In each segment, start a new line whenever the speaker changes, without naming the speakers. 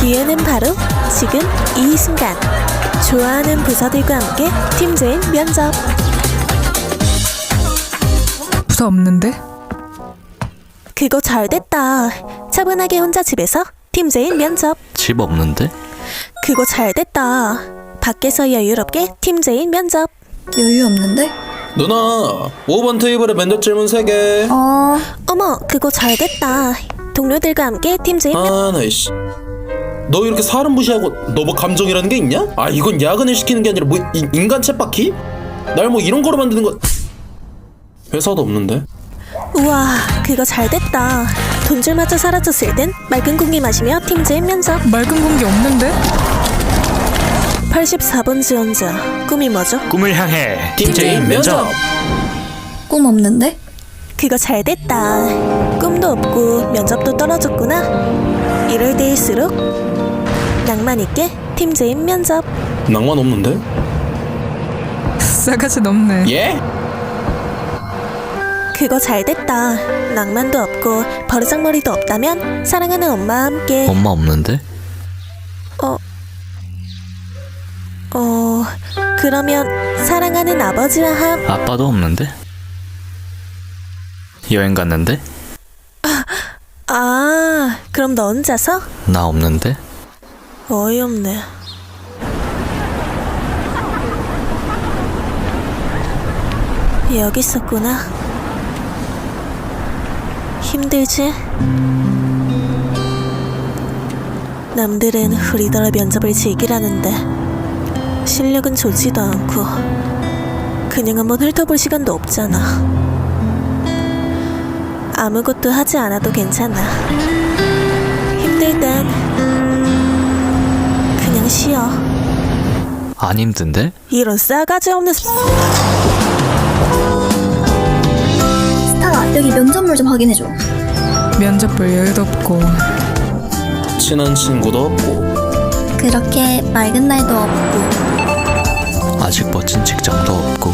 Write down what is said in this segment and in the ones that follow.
기회는 바로 지금 이 순간. 좋아하는 부서들과 함께 팀제인 면접.
부서 없는데?
그거 잘 됐다. 차분하게 혼자 집에서 팀제인 면접.
집 없는데?
그거 잘 됐다. 밖에서 여유롭게 팀제인 면접.
여유 없는데?
누나 5번 테이블에 면접 질문 3개.
어머, 그거 잘 됐다. 동료들과 함께 팀제인 면접.
나 이씨 너 이렇게 사람 무시하고 너 뭐 감정이라는 게 있냐? 아 이건 야근을 시키는 게 아니라 뭐 인간 쳇바퀴? 날 뭐 이런 거로 만드는 거. 회사도 없는데?
우와, 그거 잘 됐다. 돈줄마저 사라졌을 땐 맑은 공기 마시며 팀제인 면접.
맑은 공기 없는데?
84번 지원자. 꿈이 뭐죠?
꿈을 향해
팀제인 면접.
꿈 없는데?
그거 잘 됐다. 꿈도 없고 면접도 떨어졌구나. 이럴 때일수록 낭만 있게 팀제인 면접.
낭만 없는데?
싸가지 넘네.
예?
그거 잘 됐다. 낭만도 없고 버르장머리도 없다면 사랑하는 엄마와 함께.
엄마 없는데?
그러면 사랑하는 아버지와
아빠도 없는데? 여행 갔는데?
그럼 너 혼자서?
나 없는데?
어이없네. 여기 있었구나. 힘들지? 남들은 우리더러 면접을 즐기라는데 실력은 좋지도 않고 그냥 한번 훑어볼 시간도 없잖아. 아무것도 하지 않아도 괜찮아. 힘들 땐 그냥 쉬어.
안 힘든데?
이런 싸가지 없는
스타가 여기 면접물 좀 확인해줘.
면접 볼 여유도 없고.
친한 친구도 없고.
그렇게 맑은 날도 없고.
아직 멋진 직장도 없고.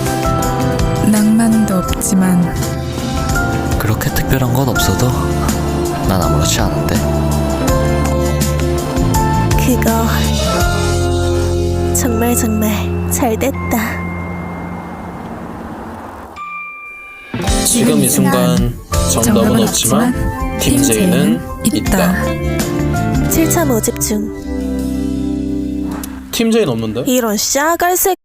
낭만도 없지만.
그렇게 특별한 건 없어도 난 아무렇지 않은데.
그거 정말 잘 됐다.
지금 이 순간 정답은 없지만 팀제인은 있다.
7차 모집 중.
팀제인 없는데?
이런 싸갈색.